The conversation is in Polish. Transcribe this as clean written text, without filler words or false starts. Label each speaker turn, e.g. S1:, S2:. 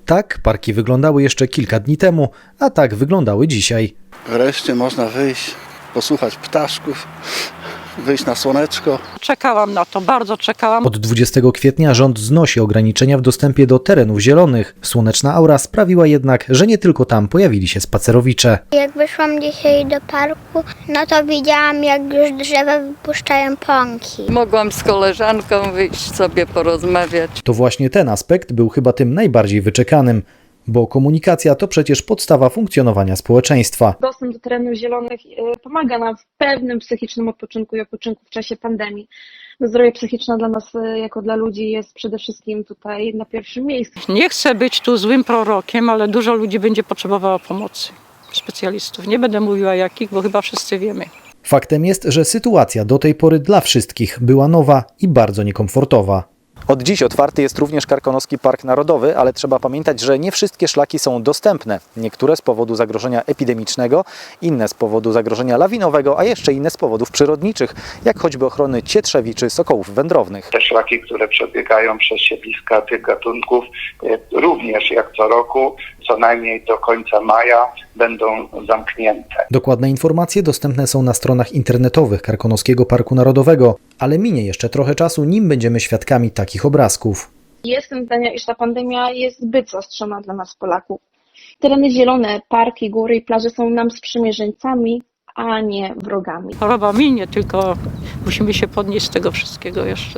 S1: Tak parki wyglądały jeszcze kilka dni temu, a tak wyglądały dzisiaj.
S2: Wreszcie można wyjść, posłuchać ptaszków, wyjść na słoneczko.
S3: Czekałam na to, bardzo czekałam.
S1: Od 20 kwietnia rząd znosi ograniczenia w dostępie do terenów zielonych. Słoneczna aura sprawiła jednak, że nie tylko tam pojawili się spacerowicze.
S4: Jak wyszłam dzisiaj do parku, no to widziałam, jak już drzewa wypuszczają pąki.
S5: Mogłam z koleżanką wyjść sobie porozmawiać.
S1: To właśnie ten aspekt był chyba tym najbardziej wyczekanym, bo komunikacja to przecież podstawa funkcjonowania społeczeństwa.
S6: Dostęp do terenów zielonych pomaga nam w pewnym psychicznym odpoczynku i odpoczynku w czasie pandemii. Zdrowie psychiczne dla nas, jako dla ludzi, jest przede wszystkim tutaj na pierwszym miejscu.
S3: Nie chcę być tu złym prorokiem, ale dużo ludzi będzie potrzebowało pomocy specjalistów. Nie będę mówiła jakich, bo chyba wszyscy wiemy.
S1: Faktem jest, że sytuacja do tej pory dla wszystkich była nowa i bardzo niekomfortowa. Od dziś otwarty jest również Karkonoski Park Narodowy, ale trzeba pamiętać, że nie wszystkie szlaki są dostępne. Niektóre z powodu zagrożenia epidemicznego, inne z powodu zagrożenia lawinowego, a jeszcze inne z powodów przyrodniczych, jak choćby ochrony cietrzewi czy sokołów wędrownych.
S7: Te szlaki, które przebiegają przez siedliska tych gatunków, również jak co roku, co najmniej do końca maja będą zamknięte.
S1: Dokładne informacje dostępne są na stronach internetowych Karkonoskiego Parku Narodowego, ale minie jeszcze trochę czasu, nim będziemy świadkami takich obrazków.
S6: Jestem zdania, iż ta pandemia jest zbyt zaostrzona dla nas, Polaków. Tereny zielone, parki, góry i plaże są nam sprzymierzeńcami, a nie wrogami.
S3: Choroba minie, tylko musimy się podnieść z tego wszystkiego jeszcze.